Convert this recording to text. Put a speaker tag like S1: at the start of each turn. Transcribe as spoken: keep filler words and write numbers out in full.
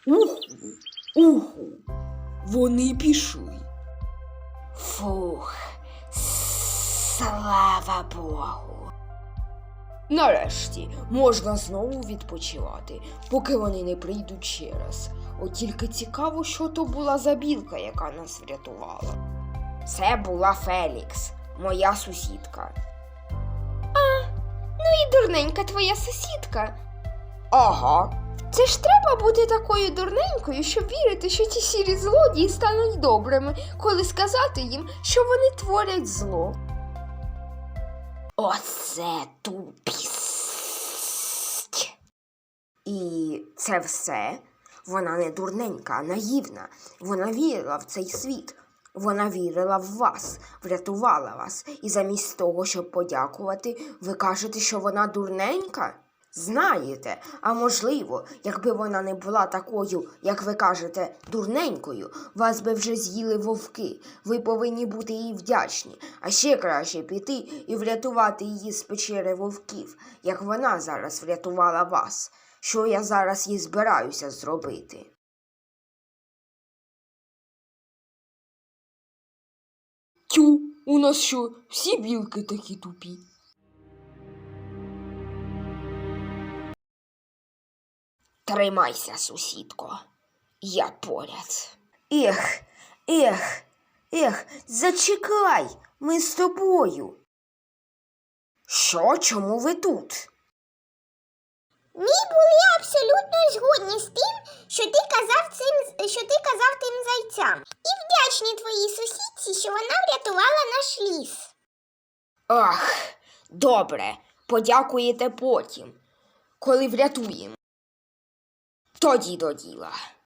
S1: Уху, уху, вони пішли.
S2: Фух, слава Богу.
S1: Нарешті можна знову відпочивати, поки вони не прийдуть ще раз. От тільки цікаво, що то була за білка, яка нас врятувала.
S2: Це була Фелікс, моя сусідка.
S3: Ну і дурненька твоя сусідка.
S1: Ага.
S3: Це ж треба бути такою дурненькою, щоб вірити, що ті сірі злодії стануть добрими, коли сказати їм, що вони творять зло.
S2: Оце тупість.
S1: І це все? Вона не дурненька, а наївна. Вона вірила в цей світ. Вона вірила в вас, врятувала вас. І замість того, щоб подякувати, ви кажете, що вона дурненька? Знаєте, а можливо, якби вона не була такою, як ви кажете, дурненькою, вас би вже з'їли вовки. Ви повинні бути їй вдячні. А ще краще піти і врятувати її з печери вовків, як вона зараз врятувала вас. Що я зараз їй збираюся зробити? Тю, у нас що, всі білки такі тупі?
S2: Тримайся, сусідко, я поряд.
S1: Ех, ех, ех, зачекай, ми з тобою. Що, чому ви тут?
S4: Ми були абсолютно згодні з тим, що ти казав цим, що ти казав тим зайцям. І вдячні твоїй сусідці, що вона врятувала наш ліс.
S1: Ах, добре, подякуєте потім, коли врятуємо. Тоді до діла.